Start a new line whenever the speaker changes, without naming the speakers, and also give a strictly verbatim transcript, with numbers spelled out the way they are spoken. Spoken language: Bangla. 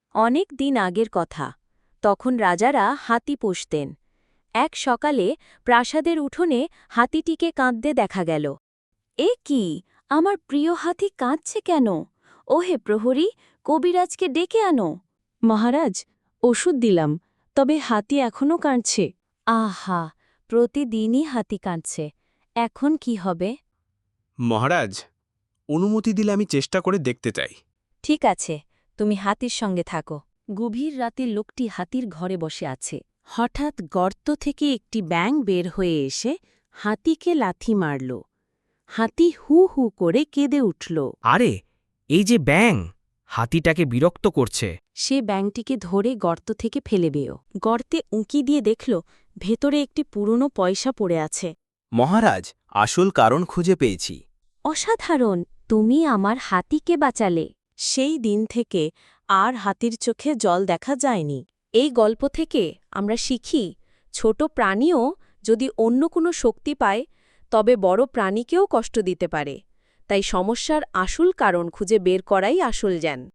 অনেক দিন আগের কথা। তখন রাজারা হাতি পুষতেন। এক সকালে প্রাসাদের উঠোনে হাতিটিকে কাঁদতে দেখা গেল। এ কি, আমার প্রিয় হাতি কাঁদছে কেন? ওহে প্রহরী, কবিরাজকে ডেকে আনো।
মহারাজ, ওষুধ দিলাম, তবে হাতি এখনও কাঁদছে।
আহা, প্রতিদিনই হাতি কাঁদছে। এখন কি হবে?
মহারাজ, অনুমতি দিলে আমি চেষ্টা করে দেখতে চাই।
ঠিক আছে, তুমি হাতির সঙ্গে থাকো। গভীর রাতে লোকটি হাতির ঘরে বসে আছে।
হঠাৎ গর্ত থেকে একটি ব্যাঙ বের হয়ে এসে হাতিকে লাথি মারল। হাতি হু হু করে কেঁদে উঠল।
আরে, এই যে ব্যাঙ, হাতিটাকে বিরক্ত করছে।
সে ব্যাঙটিকে ধরে গর্ত থেকে ফেলে বেও। গর্তে উঁকি দিয়ে দেখল ভেতরে একটি পুরনো পয়সা পড়ে আছে।
মহারাজ, আসল কারণ খুঁজে পেয়েছি।
অসাধারণ, তুমি আমার হাতিকে বাঁচালে।
সেই দিন থেকে আর হাতির চোখে জল দেখা যায়নি।
এই গল্প থেকে আমরা শিখি, ছোট প্রাণীও যদি অন্য কোনো শক্তি পায় তবে বড় প্রাণীকেও কষ্ট দিতে পারে। তাই সমস্যার আসল কারণ খুঁজে বের করাই আসল জ্ঞান।